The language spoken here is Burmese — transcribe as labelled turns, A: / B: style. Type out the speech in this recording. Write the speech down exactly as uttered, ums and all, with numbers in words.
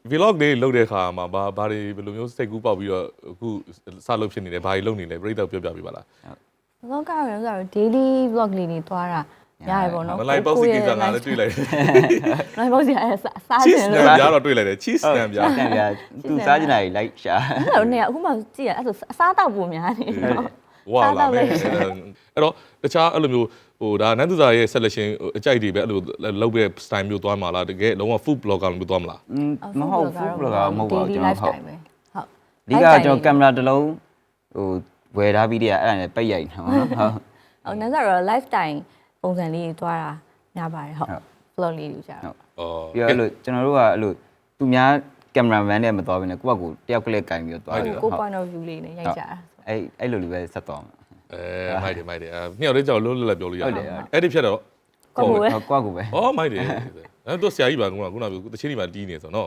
A: vlog လေးလုပ်တဲ့အခါမှာဘာဘာတွေဘယ်လိုမျိုးစိတ်ကူးပေါက်ပြီးတော့အခုစလုပ်ဖြစ်နေလဲဘာတွေလုပ်နေလဲပြိတ္တပြောပြပေးပါလား
B: vlog ကတော့ဆိုတော့ daily vlog လေးတွေသွားတာရတယ်ပေါ့နော်
A: မလိုက်ပေါ့စီကိစ္စငါလည်းတွေ့လိုက်တယ်
B: လိုက်ပေါ့စီအဲစား
A: cheese
B: တယ်
A: နဲ့
B: လို့
A: ပြားတော့တွေ့လိုက်တယ် cheese နဲ့ပြား
C: တန်ပြသူစားချင်တာကြီးလိုက်ရှာ
B: အဲ့တော့နေအခုမှကြည့်ရအဲ့ဆိုအစားတောက်ပုံများနေတော့
A: ဝါလာမယ်အဲ့တော့တခြားအဲ့လိုမျိုးဟိုဒါနန်းသူစာရဲ့ selection အကြိုက်တွေပဲအဲ့လိုလုပ်တဲ့ style မျိုးသွားမှာလားတကယ်လုံးဝ food blogger မျိုးသွားမလား
C: မဟုတ်ဘူးဘလော့ကမဟုတ်ပါဘူးကျွန်တော်ဟုတ်
B: ဟုတ်
C: ဒီကကျွန်တော်ကင်မရာတစ်လုံးဟိုဝယ်ထားပြီးတည်းအဲ့ဒါနဲ့ပိတ်ရိုက်နော်ဟုတ်
B: ဟုတ်နန်းစားတော့ lifetime ပုံစံလေးသွားတာများပါတယ်ဟုတ် vlog လေးတွေကြာတော့
A: အော်
C: ပြီးတော့အဲ့လိုကျွန်တော်တို့ကအဲ့လိုသူများကင်မရာမန်နဲ့မသွားဘဲနဲ့ကိုယ့်ဘက်ကိုတယောက်ကလေးကင်ပြီးတော့သွားတယ်
B: ကို point of view လေးနဲ့ရိုက်ကြတာ
C: အဲ့အဲ့လိုလေးပဲဆက်သွားမှာ
A: အဲမိုက်တယ်မိုက်တယ်အဲမြောက်လေးကြောက်လုံးလွတ်လပ်ပြောလို့ရတယ်အဲ့ဒီဖြတ်တော့
B: ကိုကိုပဲ
C: ကိုယ့်ကိုပဲ
A: အော်မိုက်တယ်အဲ့တော့ဆရာကြီးပါကခုနကတချင်းဒီမှာတီးနေဆိုတော့